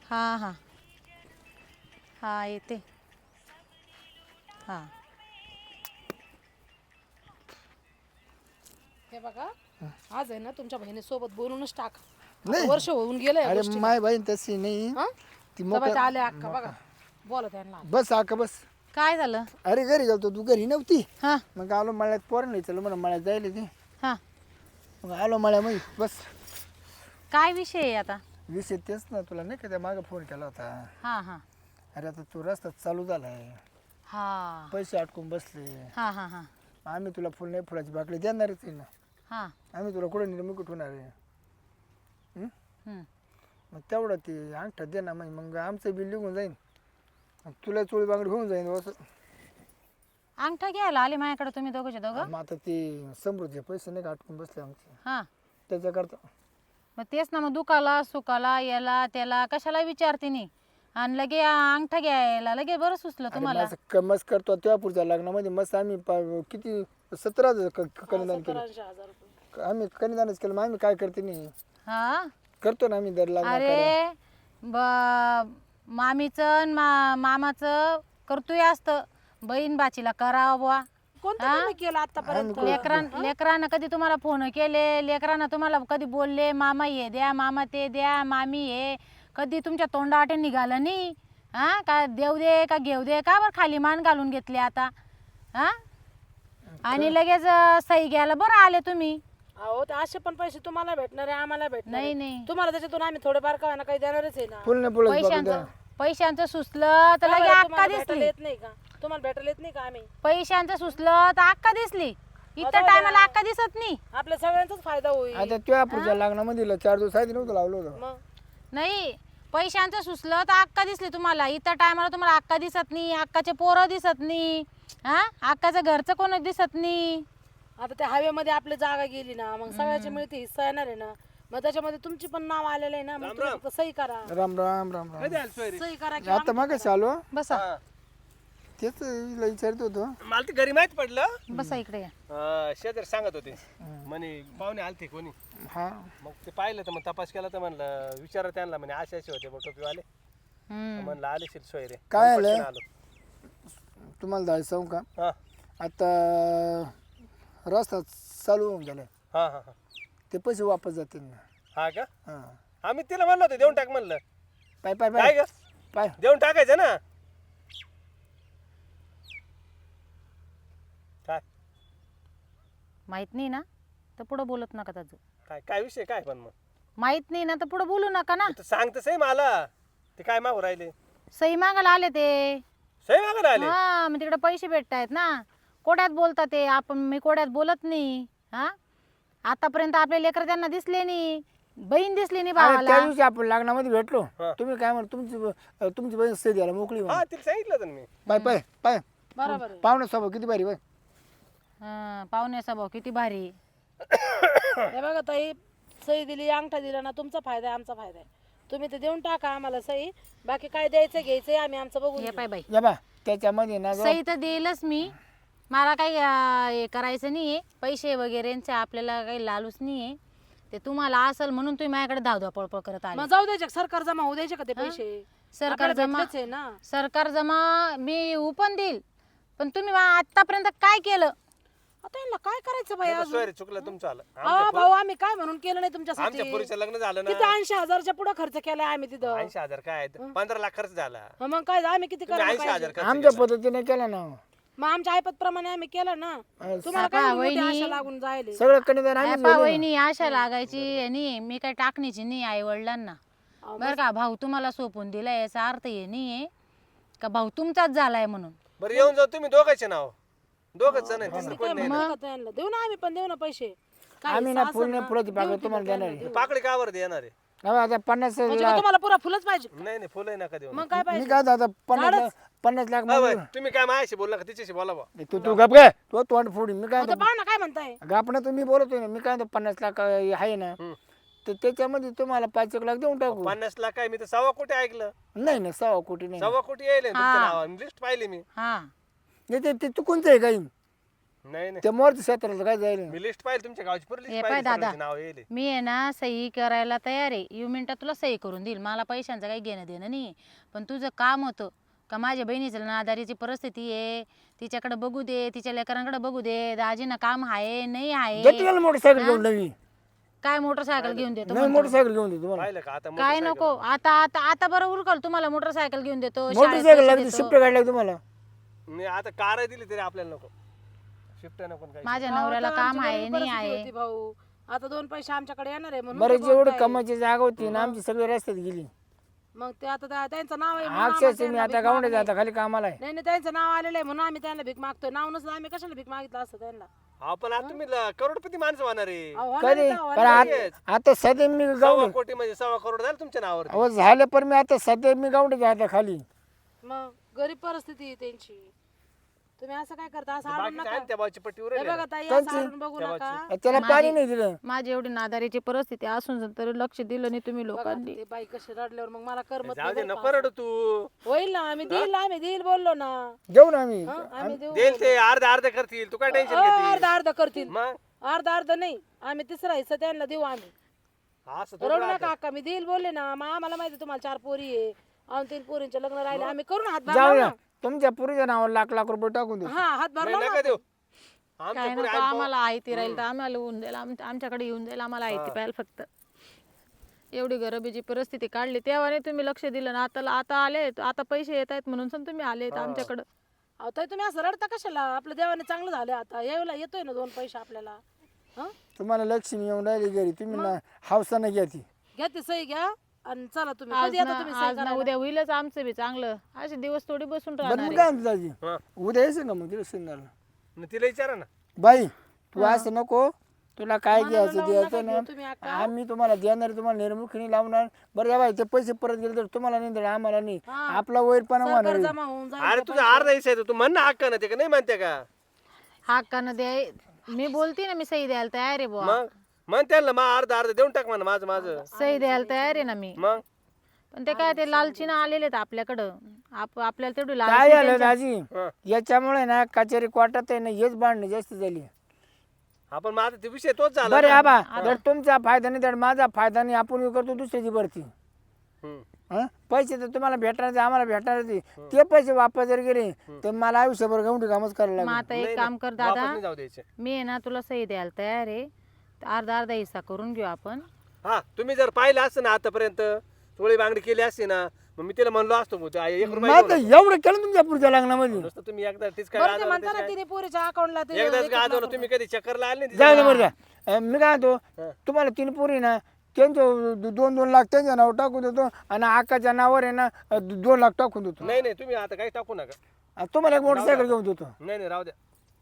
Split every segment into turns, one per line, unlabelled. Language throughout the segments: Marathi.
हां हां हां येते. हां
हे बघा आज आहे ना तुमच्या बहिणीसोबत बोलूनच टाका. आता
नाही.
वर्ष होऊन गेलं या
अरे
गोष्टीला.
माय बहीण तशी नाही.
हं?
ती
तेव्हा ते आले
मोकळ्या
अक्का बघा बोला त्यांना.
बस आका बस.
काय झालं?
अरे घरी गेलतो तू घरी नव्हती.
हां
मग आलो मळ्यात पोरं नाही चल म्हणून मळ्यात जायला ते.
हां
मग आलो मळ्यामध्ये बस.
काय विषय आहे आता?
विषय तेच ना तुला नाही का त्या मागं फोन केला होता.
हां हां
अरे आता तू रस्ता चालू झालाय
हां
पैसे अटकून बसले.
हां हां हां
आम्ही तुला फुल नाही फुलाची बाकडी देणारच आहे ना.
हां
आम्ही तुला कुठे निर्मी कुठून होणार आहे.
हं.
मग तेवढं ते अंगठा दे ना मग आमचं बिल निघून जाईन. मग तुला चोळी बांगडी होऊन जाईन असं.
अंगठा घ्यायला आले माझ्याकडे तुम्ही दोघंचे दोघं?
मग आता ते समृद्धीचे पैसे नाही का अटकून बसले आमचे
हां
त्याच्याकरता.
मग तेच ना, मग दुखाला सुखाला याला त्याला कशाला विचारते नाही आणि लगे अंगठा घ्यायला लगे बरं सुचलं तुम्हाला.
माझं कमस करतो तेव्हा पुढच्या लग्नामध्ये मस्त आम्ही किती 17,000 कन्यादान केलं.
17,000 रुपये.
आम्ही कन्यादानच केलं. मग आम्ही काय करते नाही
हां
करतो ना आम्ही दर लग्न.
अरे मामीचं मामाचं करतोय असतं, बहीण बाचीला करावं बुवा.
कोणतं तुम्ही केलं आतापर्यंत?
लेकरानं कधी तुम्हाला फोन केले? लेकरानं तुम्हाला कधी बोलले मामा हे द्या मामा ते द्या मामी हे? कधी तुमच्या तोंडावाटे निघालं नाही? हां का देऊ दे का घेऊ दे का बरं खाली मान घालून घेतली आता? हां आणि लगेच सही घ्यायला बरं आले तुम्ही.
अहो ते असे पण पैसे तुम्हाला भेटणार आहे आम्हाला भेटणार
नाही
आहे.
नाही
तुम्हाला त्याच्यातून आम्ही थोडेफार का होईना काही देणारच आहे ना.
फुल नाही फुलाची बाकडी द्या.
पैशांचं सुचलं तर
का
लगे
बरं,
अक्का
तुम्हाला भेटायला
दिसली.
येत नाही का? तुम्हाला भेटायला येत नाही का आम्ही?
पैशांचं सुचलं तर अक्का दिसली. इतर टायमाला अक्का दिसत नाही.
आपल्या सगळ्यांचाच फायदा होईल.
आता तेव्हा पुढच्या लग्नामध्ये 4 दिवस आधी नव्हतं लावलं होतं.
मग
नाही पैशांचं सुचलं तर अक्का दिसली तुम्हाला. इतर टायमाला तुम्हाला अक्का दिसत नाही, अक्काचे पोरं दिसत नाही, हा अक्काचं घरचं कोण दिसत नाही.
आता त्या हवेमध्ये आपली जागा गेली ना मग सगळ्याची मिळते हिस्सा येणार आहे ना. मग त्याच्यामध्ये तुमची पण नाव आलेलं आहे ना. मग तुम्ही फक्त सही करा.
राम राम राम राम.
सही करा की
आता मग कशी आलो
बसा
तेच हिला विचारत होतो.
मला ते घरी माहित पडलं.
बसा इकडे या.
शेजारी सांगत होते म्हणे पाहुणे आलते कोणी.
हा
मग ते पाहिलं तर मग तपास केला तर म्हणलं विचारा त्यांना म्हणे असे असे होते टोपीवाले.
हम्म.
म्हणलं आले शिल सोय रे.
काय
मग
आलं?
पटकन आलो.
तुम्हाला जायचं सांगू का
हा
आता रस्ता चालू होऊन गेलाय.
हा हा हा
ते पैसे वापस जातील ना.
हा का
हा
आम्ही तिला म्हणलं होतं देऊन टाक म्हणलं.
पाय पाय
काय
पाय
ग
पाय
देऊन टाकायचं ना. काय
माहित नाही ना तर पुढं बोलत नका त्याचं.
काय काय विषय काय पण मग
माहित नाही ना तर पुढं बोलू नका ना.
तू सांगत सही मला ते काय मागू राहिले.
सही मागायला आले ते.
सही मागायला आले.
हा मग तिकडे पैसे भेटतायत ना. कोड्यात बोलतात ते. आपण मी कोड्यात बोलत नाही. हा आतापर्यंत आपले लेकर त्यांना दिसले नाही, बहीण दिसली नाही
अरे त्या
भावाला.
दिवशी आपण लग्नामध्ये भेटलो.
हा.
तुम्ही काय म्हणता तुमची बहीण सही द्यायला मोकळी म्हणे.
हा तिला सांगितलं होतं ना मी.
पाय पाय पाय
बरोबर आहे.
पाहुणे स्वभाव किती भारी बाय.
हा पाहुण्याचा भाऊ किती भारी.
हे बघा ताई सही दिली अंगठा दिला ना तुमचा फायदा आहे आमचा फायदा आहे. तुम्ही ते देऊन टाका आम्हाला सही. बाकी काय द्यायचं घ्यायचंय आम्ही आमचं बघून
हे
घेऊ.
पाय बाई
या बा त्याच्यामध्ये ना
सही तर देईलच मी. मला काही हे करायचं नाही आहे पैसे वगैरेंचे आपल्याला काही लालूच नाही आहे. ते तुम्हाला असेल म्हणून तुम्ही माझ्याकडे धावधा पळपळ करत आले.
मग जाऊ द्यायचे सरकार जमा होऊ द्यायचे का ते पैसे?
सरकार
आपल्याला
जमा
भेटलेच आहे ना.
सरकार जमा मी पण देईल पण तुम्ही आतापर्यंत काय केलं?
आता यांना काय करायचं बाई अजून?
सोय रे चुकलं तुमचं आलं.
भाऊ आम्ही काय म्हणून केलं नाही तुमच्यासाठी?
आमच्या पुरीचं लग्न झालं
किती
ना.
80,000च्या पुढे खर्च केलाय आम्ही तिथं.
80,000 काय 15 लाख खर्च झाला.
मग काय आम्ही किती
तुम्ही
करायला
80,000
पाहिजे?
खर्च
आमच्या
केला.
पद्धतीने केलं ना.
मग आमच्या ऐपत प्रमाणे आम्ही केलं ना. तुम्हाला काय मोठी आशा लागून जायले?
सगळं कन्यादान आम्हीच
पा वहिनी आशा लागायची आणि मी काय टाकण्याची नाही आई वडिलांना. बरं का भाऊ तुम्हाला सोपून दिलाय याचा अर्थ हे नाहीये का भाऊ तुमचाच झालाय म्हणून.
बरं येऊन जाऊ तुम्ही दोघांचे नाव. दोघंच जण आहे, तिसरं कोण नाही.
म्हणतात का त्यांना? देऊ ना आम्ही पण देऊ ना पैसे. काय
आम्ही ना
सासर
फुल
ना,
फुलाची
देऊ
बाग
की
तुम्हाला
त्यांना
देणार आहे.
देऊ.
पाकळी कावर देणार आहे.
हा, आता 50
म्हणजे का तुम्हाला पुरा फुलच पाहिजे?
नाही नाही फुलही नका देऊ.
मग काय
मी
पाहिजे?
काय आता 50 लाख
हा,
मध्ये-
बाई, तुम्ही काय माझ्याशी बोलला का तिच्याशी बोला बा.
तू गप काय तो तोंड फोडी. मी काय
आता पाहा ना काय म्हणताय.
गापणं तुम्ही बोलतोय ना. मी काय 50 लाख आहे ना तर त्याच्यामध्ये तुम्हाला 5 लाख देऊन टाकू.
50 लाख काय मी तर 1.25 कोटी ऐकलं.
नाही ना 1.25 कोटी नाही.
1.25 कोटी येईल तुमच्या नावावर लिस्ट पाहिली मी.
हा
नाही, ते चुकूनच आहे काही.
नाही नाही
त्या मोरच्या क्षेत्राला काय जाईल
मी लिस्ट पाहिली तुमच्या गावची पूर्ण
हे
लिस्ट
पाय
पाहिली
दादा.
सर्वांची नाव येईल
मी आहे ना सही करायला तयार आहे. यू मिनिटात तुला सही करून देईल. मला पैशांचं काही घेणं देणं नाही. पण तुझं काम होतं का माझ्या बहिणीचं नादारीची परिस्थिती आहे, तिच्याकडे बघू दे, तिच्या लेकरांकडे बघू दे. दाजीनं काम आहे नाही आहे.
देतो मोटरसायकल घेऊन नवी
काय मोटरसायकल घेऊन देतो
नवी
म्हणतो?
मोटरसायकल घेऊन देतो तुम्हाला
पाहिलं का आता
काय
motorcycle
नको आता आता आता बरं उरकल तुम्हाला मोटरसायकल घेऊन देतो, शाळेत
मोटरसायकल
पैसे
लागते
देतो.
शिफ्ट गाडी लागते तुम्हाला
नाही आता कार दिली तरी आपल्याला नको शिफ्ट नको काही
माझ्या नवऱ्याला
आता
काम
आमची
आहे
गरीब
नाही
परिस्थिती
आहे.
होती भाऊ. आता 2 पैसे आमच्याकडे येणार आहे म्हणून
बरं
ते
जेवढी
बोलताय.
कमाईची जागा होती ना आमची सगळी रस्त्यात गेली
मग ते आता त्यांचं नाव आहे म्हणून
अक्षरशः
आम्हाला
मी
त्यांना
आता
भीक
गावडे
मागणे.
आता खाली कामाला आहे
नाही नाही त्यांचं नाव आलेलं आहे म्हणून आम्ही त्यांना भीक मागतोय. नाव नसलं आम्ही कशाला भीक मागितलं असतं त्यांना.
आपण आता तुम्ही करोडपती माणसं होणार आहे
अहो, होणार
कधी
आहे का?
पण
होणार आहे.
आता सध्या मी
1.25
गावडे
कोटी म्हणजे 1.25 करोड झालं तुमच्या नावावर
अहो झालं पण मी आता सध्या मी गावडे आता खाली
मग गरीब परिस्थिती आहे त्यांची. तुम्ही असं काय करता? असं हाडून
बाकी
नका.
काय त्या बाजूची पट्टी
हे
उरेल
बघा ताई, असं हाडून बघू नका.
त्याला पाणी नाही दिलं
माझी एवढी नादारीची परिस्थिती असून तरी लक्ष दिलं नाही तुम्ही
बघा,
लोकांनी.
ते बाई कशी रडल्यावर मग मला करमत
जाऊ दे
नाही बरं
नको रडू तू
का? होईल ना, आम्ही देईल बोललो ना.
देऊ ना आम्ही
हं, आम्ही देऊ.
देईल ते अर्धा अर्धा करतील तू काय टेन्शन घेते
अर्धा अर्धा करतील.
मग
अर्धा नाही, आम्ही तिसरा हिस्सा त्यांना देऊ आम्ही.
असं थोडं
रडू नका अक्का, मी देईल बोलले ना. मग आम्हाला माहिती तुम्हाला 4 पोरी आहे आणि 3 पोरींचे लग्न राहिले. आम्ही करून हातभार
जाऊ
लावू
ना
ना.
तुमच्या पुरीच्या नावावर लाख रुपये टाकून देऊ
हा, हातभार
नाही
लावू
नका
ना.
देऊ
काय
आमच्या पुढे
नको आम्हाला आयती राहील तर आम्हाला होऊन जाईल. आमच्याकडे येऊन जाईल. आम्हाला आयती पाहिजे फक्त. एवढी गरिबीची परिस्थिती काढली तेव्हा नाही तुम्ही लक्ष दिलं ना. आता आले आता पैसे येत आहेत म्हणून तुम्ही आले आमच्याकडं.
अहो ताई, तुम्ही असं रडता कशाला? आपलं देवाने चांगलं झालं. आता यायला येतोय ना 2 पैसे आपल्याला. हं?
तुम्हाला लक्ष्मी येऊन राहिली घरी तुम्ही ना हावसानं घ्या ती
घ्या ती सही घ्या आणि चला तुम्ही.
आज
कधी येता
ना
तुम्ही सही
आज ना
करायला?
उद्या होईलच आमचं बी चांगलं. असे दिवस थोडी बसून
बरं
राहणार
मग
आहे.
काय म्हणतो दाजी
हा.
उद्या यायचं का मग तिला सिंगाला
मग तिला विचारा ना
बाई तू असं नको तुला काय
मनाला
घ्यायचं
लावून
द्यायचं
नका घेऊ तुम्ही
ना
अक्का.
आम्ही तुम्हाला देणार तुम्हाला निर्मुखीने लावणार बरं या बाई ते पैसे परत गेले तर तुम्हाला नाही देणार आम्हाला नाही
हा.
आपला वैरपणा होणार
सरकार
आहे.
जमा होऊन जाईल.
अरे तुझा अर्धा हिस्सा आहे तू म्हण ना हक्क ना ते का नाही म्हणते का
हक्कानं द्याय मी बोलते ना मी सही द्यायला तयार आहे बुवा.
मग म्हण त्याला मग अर्धा अर्धा देऊन टाक म्हणा माझं
सही द्यायला तयार आहे ना मी.
मग
पण ते काय ते लालचीनं आलेले आहेत आपल्याकडं. आपल्याला तेवढी
काय
लालची
झालं दाजी
हा.
याच्यामुळे ना कचेरी कोर्टात आहे ना हेच भांडणं जास्त झाली
आपण मग आता ते विषय तोच झाला
बरं
ना.
आबा जर तुमचा फायदा नाही तर माझा फायदा नाही आपण करतो दुसऱ्याची भरती
हम्म.
हं? पैसे तर तुम्हाला भेटणार आम्हाला भेटणार ते पैसे वापस जर गेले तर मला आयुष्यभर गवंडी कामच करायला
मग
लागेल
आता एक
नाही,
काम
नाही.
कर
वापस
दादा
नाही जाऊ द्यायचे
मी आहे ना तुला सही द्यायला तयार आहे. अर्धा हिस्सा करून घेऊ आपण.
हा तुम्ही जर पाहिलं असतं ना आतापर्यंत चोळी बांगडी केली असती ना मग मी तिला म्हणलो असतो मग ते 1 रुपया
मग
घेऊन
आता
ये.
एवढं केलं तुमच्या पुढच्या लग्नामध्ये
नुसतं तुम्ही एकदा तीच काय
बरं ते
गाजवलं
म्हणता
त्याचं
ना तिने पोरीच्या अकाउंटला
काय? एकदाच
1
गाजवलं
लाख
तुम्ही कधी चक्करला आले नाही
जाऊ
तिच्या?
दे बरं द्या मी काय म्हणतो
हा.
तुम्हाला 3 पोरी ना त्यांचं 2-2 लाख त्यांच्या नाव टाकून देतो आणि आकाच्या नावावर आहे ना 2 लाख टाकून देतो
नाही नाही तुम्ही आता काही टाकू नका
आणि तुम्हाला एक मोटरसायकल घेऊन देतो
नाही नाही राहू द्या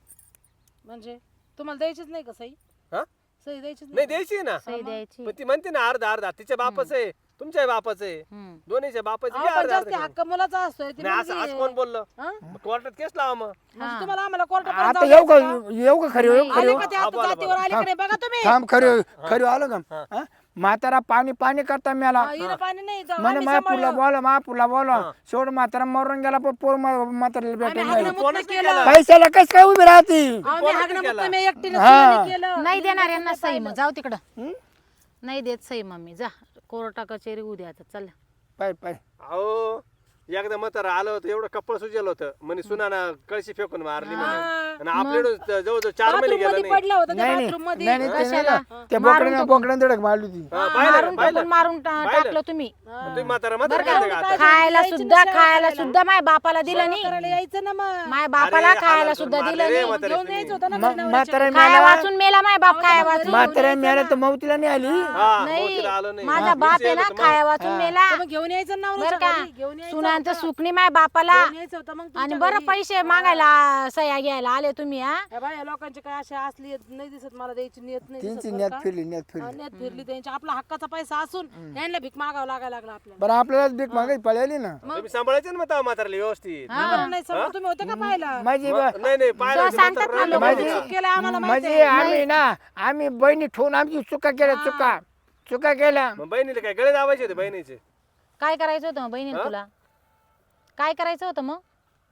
म्हणजे तुम्हाला द्यायचीच नाही का सही?
हा
सही द्यायचीच
नाही द्यायची ना
सही द्यायची.
पण ती म्हणते ना अर्धा अर्धा तिच्या बापाच आहे तुमच्या बापाच आहे
हम्म.
दोन्हीच्या बापाचे
अहो,
घ्या
पण
अर्धा
जास्ती
अर्धा
हक्क मुलाचा असतोय. ती
करून. नाही असं
मुलगी
असं
आहे.
कोण बोललं
हं?
मग कोर्टात केस लावा मग
म्हणजे तुम्हाला आम्हाला कोर्टापर्यंत
आता
जाऊ
येऊ का
द्यायचं का?
येऊ का खरी येऊ खरी
आले का ते आता जातीवर आले का नाही बघा तुम्ही.
थांब खरी खरी आलं का हा? म्हातारा पाणी करता मेला
हा, हिरं पाणी नाही जाऊ.
म्हणे
आम्ही
महापूरला
सांभाळू.
बोला बोला शेवट म्हातारा मरून गेला पण पोर म्हाताऱ्याला
आम्ही
भेटायला
हागणं
नाही.
मुक्त केलं.
पैशाला कस काय उभी राहती
आम्ही हागणं मुक्त मी एकटीने
हा.
सुनेने केलं.
नाही देणार यांना सही. मग जाऊ तिकडं. नाही देत सही मम्मी. जा कोर्टा कचेरी उद्या आता चल.
पाय
अहो एकदा म्हातारा आलं होतं एवढं कपड सुजेल होतं म्हणे सुनाना कळशी फेकून मारली म्हणे आणि आपल्याकडे जवळजवळ 4 महिने
बाथरूम
गेला
मध्ये
नाही
पडलं होतं त्या
नाही
बाथरूम मध्ये.
नाही ते
कशाला?
नाही त्या बोकड्याने धडक मारली होती
हा, पाहिलं का?
मारून
पाहिलं?
टाकून मारून
पाहिलं?
टाकलं तुम्ही.
मग तुम्ही म्हातारा
बरं
म्हातारा
का?
करता का आता?
खायला सुद्धा माझ्या बापाला दिलं नाही.
करायला यायचं ना मग.
माझ्या बापाला
अरे,
खायला
हालाल
सुद्धा
करून
दिलं
मारले रे
नाही.
म्हातारे
घेऊन
तुम्ही.
यायचं होतं ना घरी नवऱ्याच्या.
म्हातारा
खाया
मेला
वाचून मेला माझ्या बाप खाया वाचून.
म्हातारा मेला तर मौतीला नाही आली
हा,
नाही
मोतीला आलं नाही.
माझा
हा,
बाप आहे
विषय
ना
आला तर
खाया वाचून मेला.
तर मग घेऊन यायचं ना
बरं
नवऱ्याच्या
का
घरी. घेऊन यायचं
सुनांचं
होतं.
सुख नाही माझ्या बापाला.
घेऊन यायचं होतं मग
आणि
तुमच्या
बरं
घरी.
पैसे मागायला सह्या घ्यायला आले तुम्ही. हा
या बाई, या लोकांची काय अशी असली नाही दिसत मला द्यायची नियत नाही
त्यांची
दिसत बरं
नेत
का?
फिरली
हा, नियत फिरली त्यांची. आपला हक्काचा पैसा असून यांना भीक मागावं लागायला लागला आपल्याला.
बरं आपल्याला भीक मागायची पळाली ना
तुम्ही सांभाळायचे ना मग म्हाताराला व्यवस्थित
बरं नाही समजा तुम्ही होते का पाहिला?
माझी
मग- नाही नाही पाहिलं होतं,
सांगतात
म्हातारं
ना
राहिलं
लोकं.
माहिती
माझी-
का?
केलं आम्हाला माहिती
म्हणजे आम्ही बहिणी ठेवून आमची चुका केल्या चुका केल्या
मग बहिणीला काय गळे दाबायचे होते बहिणीचे
काय करायचं होतं मग बहिणीला तुला? काय करायचं होतं मग?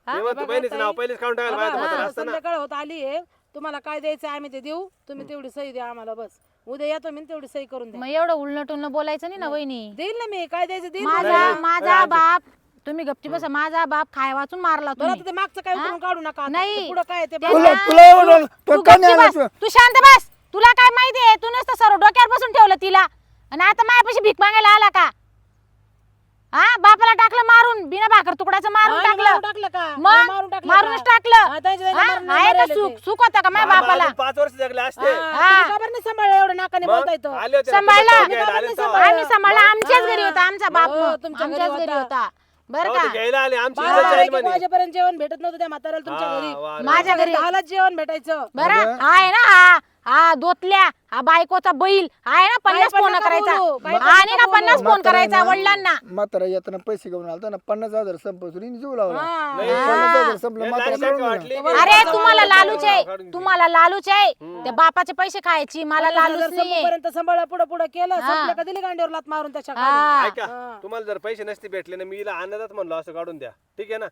ते म्हणतो बहिणीचं नाव पहिलेच काढून टाकायला पाहिजे म्हातारा असतं ना.
संध्याकाळ होत आली आहे, तुम्हाला काय द्यायचं आम्ही ते देऊ, तुम्ही तेवढी सही द्या आम्हाला बस. उद्या येतो मी तेवढी सही करून द्या.
मग एवढं उलटून बोलायचं नाही ना वहिनी.
देईल ना मी, काय द्यायचं देईल.
माझा बाप, तुम्ही गप्ती बसा, माझा बाप खाय वाचून मारला
बरं
तुम्ही.
आता ते मागचं काय उकरून काढू नका आता.
नाही.
ते पुढं काय ते
तुला तुला एवढं
तू
तो कन्या
गप्ती बस,
आणायचं.
तू शांत बस. तुला काय माहितीये, तू नुसतं सर्व डोक्यावर बसून ठेवलं तिला आणि आता माझ्यापाशी भीक मागायला आला का? हा, बापाला टाकलं मारून, बिना भाकर तुकड्याचं मारून
मारून
टाकलं.
टाकलं का?
मग
मारून टाकलं
मारूनच
का?
टाकलं.
हा, त्यांच्या
हा,
मारून
आहे का
मारायला
सुख
ते.
सुख होतं का माझ्या बापाला?
5 वर्ष जगले असते
हा, तुम्ही का बरं नाही सांभाळलं एवढं नाकाने
मग
बोलता येतं?
आले होते ना,
सांभाळला.
तुमच्या घ्यायला आले तेव्हा.
आम्ही सांभाळला, आमच्याच घरी होता आमचा बाप,
हो, तुमच्या घरी
आमच्याच घरी
होता.
होता बरं
तेव्हा ते
का?
घ्यायला आले आमची
12
इज्जत जाईल
एक
म्हणे.
वाजेपर्यंत जेवण भेटत नव्हतं त्या म्हाताऱ्याला तुमच्या
हा,
घरी.
वा रे.
माझ्या घरी
10लाच जेवण भेटायचं.
बरं आहे ना, हा दोतल्या, हा बायकोचा बैल आहे ना, 50
पण
फोन
नका
करायचा
बोलू, काही पण
आणि
नका
ना 50
बोलू.
फोन करायचा वडिलांना.
म्हातारा येताना पैसे घेऊन आलता ना 50,000 संपसून जीव लावला.
हा.
नाही.
50,000 संपलं
हे
म्हातारा
लालची
काढून
वाटली.
गेला.
अरे तुम्हाला लालूच
काढून
आहे,
घे.
तुम्हाला लालूच आहे, त्या बापाचे पैसे खायची, मला लालूच नाहीये.
पर्यंत सांभाळा, पुढे पुढे केलं संपलं का दिली गांडीवर लात मारून त्याच्या खाली.
हा.
ऐका तुम्हाला जर पैसे नसते भेटले ना, मी हिला आनंदात म्हणलो असं काढून द्या, ठीक आहे ना.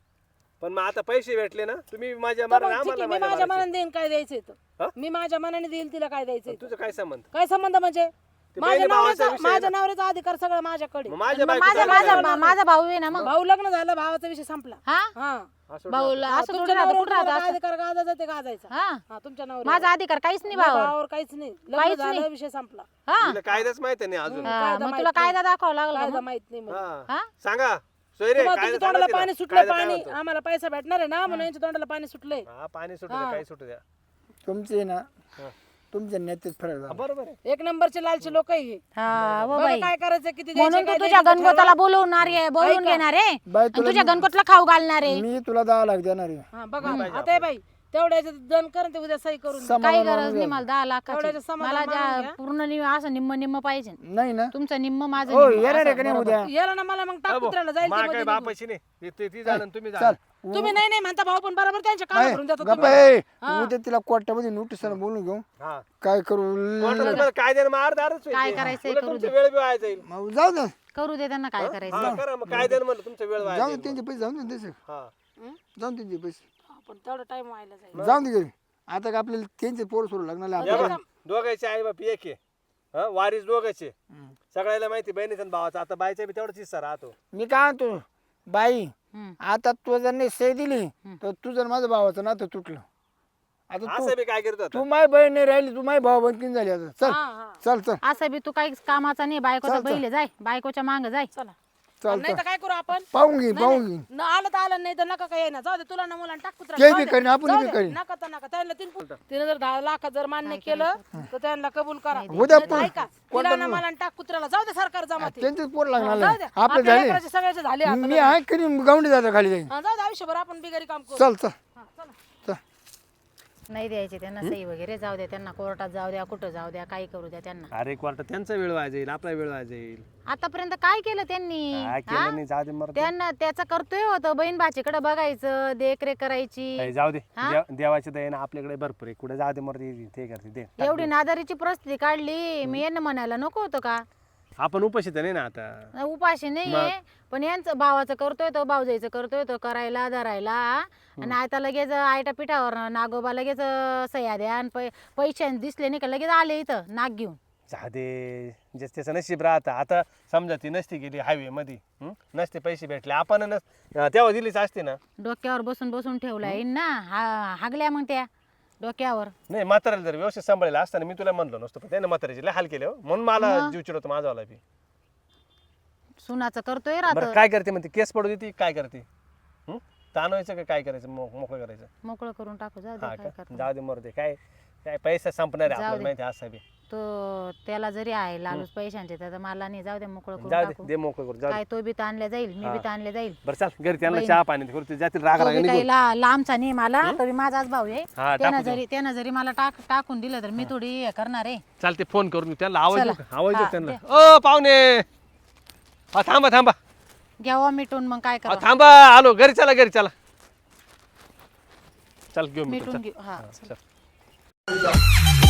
पण मग आता पैसे भेटले ना, तुम्ही माझ्या
तर मग
माराने
ठीक आहे,
आम्हाला
मी
माझ्या
माझ्या
मारायचे.
मनाने देईन काय द्यायचंय
हा?
तर. मी माझ्या मनाने देईल तिला काय द्यायचंय तर.
तुझं काय संबंध?
काय संबंध म्हणजे
ते
माझ्या
बहिणी भावाचा
नवऱ्याचा
विषय आहे
माझ्या
ना.
नवऱ्याचा अधिकार सगळं माझ्याकडे.
मग माझ्या
माझा
बायकोचा
माझा
विषय आहे.
माझा भाऊ आहे ना, मग
भाऊ लग्न झालं, भावाचा विषय संपला.
हा
हा
असं
भाऊला असं
तुमच्या
थोडं राहतं,
नवऱ्यावर
कुठं राहतं
तुम्हाला काय
असं?
अधिकार गाजायचा ते गाजायचा.
हा,
हा, तुमच्या नवऱ्यावर.
माझा अधिकार काहीच नाही भावावर.
भावावर काहीच नाही. लग्न
काहीच
झालं,
नाही.
विषय संपला.
हा,
तिला कायदाच माहिती नाही अजून.
हा,
कायदा
मग
माहित
तुला
नाही.
कायदा दाखवावा लागला
कायदा
का मग?
माहित नाही मला.
हा.
हा?
सांगा सोयरे
तुम्हाला
कायदा
तुमच्या तोंडाला
सांगा
पाणी
तिला.
सुटलं,
कायदा काय
पाणी
होतं?
आम्हाला पैसा भेटणार आहे ना, म्हणून यांच्या तोंडाला पाणी सुटलंय.
हा, पाणी सुटू द्या, काही सुटू द्या.
तुमचे ना
हा.
तुमच्या नेतेच फरक झाला.
बरोबर आहे.
एक नंबरचे लालची लोक आहे हे.
हा, हो
बघा
बाई,
काय करायचं, किती
म्हणून
द्यायचे,
तू
काय
तुझ्या
द्यायचं
गणगोताला बोलवणार आहे, बोलवून
ऐका.
घेणार आहे
बाई
आणि
तुला
तुझ्या गणगोतला खाऊ घालणार आहे.
मी तुला 10 लाख देणार आहे.
ठरवा. हा, बघा आता हे बाई तेवढ्याचं दन कर ते उद्या सही करून द्या.
समाधान
काही
मानून
गरज नाही
घ्या.
मला 10 लाखाची.
तेवढ्याचं समाधान
मला
मानून घ्या.
पूर्ण असं निम्म पाहिजे.
नाही ना
तुमचं निम्म माझं
हो
निम्म,
येणार आहे
असं
का नाही
बरोबर.
उद्या?
याला ना मला मग टाक कुत्र्याला जाईल
मा
ते
काय
मध्ये
बापाची नाही ती जाणं तुम्ही
चल
जाणं.
तुम्ही नाही नाही म्हणता भाऊ, पण बरोबर त्यांच्या कामात भरून देतो
गप्प
तुम्ही.
आहे. उद्या तिला कोर्टामध्ये नोटीस बोलून घेऊ
हा
काय करू
कोर्टात कायद्याने मार दारच
काय करायचंय करू
तुमचा वेळ बी वाया जाईल.
मग जाऊ दे
करू दे त्यांना, काय करायचं.
हा करा मग कायद्याने म्हणलं तुमचा वेळ वाया
जाऊ दे
जाईल.
त्यांचे पैसे जाऊन दे त्याचे
हा
जाऊन त्यांचे पैसे
हा, पण तेवढा टाइम व्हायला जाईल.
जाऊन दे घरी. आता का आपल्याला त्यांचे पोर सोडू लागणार
या
आपल्याला.
बा, दोघांचे आई बाप एक आहे. हा वारीस दोघांचे सगळ्याला माहिती बहिणीचा आणि भावाचा. आता बायचा बी तेवढाच हिस्सा राहतो.
मी काय म्हणतो बाई
हम्म.
आता तू जर नाही सही दिली तर तुझं आणि माझं भावाचं नातं तुटलं. आता तू
असं बी काय करतो आता?
तू माय बहीण नाही राहिली, तू माय भाऊ बनकीन झाली आता. चल
हा हा
चल चल
असं बी तू काही कामाचा नाही, बायकोचा बैल आहे, जाय बायकोच्या मांग जाय.
चला.
चल
नाही तर काय करू आपण?
पाहून घे पाहून घे.
न आलं तर आलं, नाही तर नका काय येणार. जाऊ दे, तुला ना मुलांना टाक कुत्रा.
ते बी करीन आपण बी करीन.
नका तर नका. त्यांना तिने जर 10 लाखात जर मान्य केलं तर त्यांना कबूल करा.
उद्या
नाही तर ऐका, तिला ना मला टाक कुत्र्याला. जाऊ दे, सरकार जमाते.
त्यांचेच पोर लागणार
जाऊ दे,
आपले
आपल्या
झाले.
लेकराचे सगळ्याचे झाले आता.
मी आहे कधी गावंडी जातो खाली जाईन.
हा, जाऊ दे, आयुष्यभर आपण बिगारी काम करू.
चल चल
हा, चला.
चल
नाही द्यायचे त्यांना सही वगैरे, जाऊ द्या त्यांना, कोर्टात जाऊ द्या, कुठं जाऊ द्या, काही करू द्या त्यांना.
अरे क्वार्टर त्यांचा वेळ वाया जाईल, आपला वेळ वाया जाईल.
आतापर्यंत काय केलं त्यांनी?
काय केलं नाही, जाऊ दे मर.
त्यांना त्याचं कर्तव्य होतं बहीण भाचीकडे बघायचं, देखरेख करायची.
जाऊ दे देवाच्या दयेनं आपल्याकडे भरपूर आहे. कुठे जाऊ दे मर, ते करते ते.
एवढी नादारीची परिस्थिती काढली, मी यांना म्हणायला नको होतं का?
आपण उपाशी तर नाही ना आता.
उपाशी नाहीये, पण यांचं भावाचं करतोय तो, भाऊजाईचं करतोय तो, करायला धरायला. आणि आता लगेच आयटा पिठावर नागोबा लगेच सह्या द्या आणि पैसे दिसले नाही का लगेच आले इथं नाक घेऊन.
जाऊ दे, जस त्याचं नशीब राहतं. आता समजा ती नसती गेली हायवे मध्ये, नसते पैसे भेटले, आपण तेव्हा दिलीच असते ना.
डोक्यावर बसून बसून ठेवलाय ना, हागल्या मग त्या डोक्यावर.
नाही म्हाताऱ्याला जर व्यवस्थित सांभाळलेलं असताना मी तुला म्हणलो नसतो, पण त्याने म्हाताऱ्याचे लय हाल केले हो. म्हणून मला जीव चिडवतो माझावाला बी.
सुनाचं करतोय
बरं
राहत,
काय करते म्हणते, केस पडू देते काय करते? ताणवायचं का काय करायचं, मोकळं करायचं?
मोकळं करून टाकू, जाऊ
हा
दे काय
का,
करतो.
जाऊ दे मरू दे. काय काय पैसा संपणार आहे
जाऊ
आपल्याला
दे.
माहिती आहे असं बी.
तो त्याला जरी आहे लालूच पैशांचे तर मला नाही, जाऊ दे मोकळं करून
जाऊ दे,
टाकू.
दे मोकळं करू, जाऊ दे.
काय तो बी ताणल्या जाईल, मी बी ताणले जाईल.
बरं चाल घरी त्यांना चहा पाणी करू, ते जातील राग
तो
राग
बी
निघून.
काही लांबचा नाही मला, तो बी माझाच भाऊ आहे.
हा,
त्यानं जरी मला टाकून दिलं तर मी थोडी हे करणार आहे.
चालते फोन करून त्यांना आवाज
चला.
देऊ का? आवाज देऊ
हा,
त्यांना. ओ पाहुणे, हा थांबा थांबा,
घ्यावा मिटून, मग काय
हा
करा
थांबा, आलो घरी. चला घरी चला, चल घेऊ
मिटून
चल.
घेऊ. हा
चल.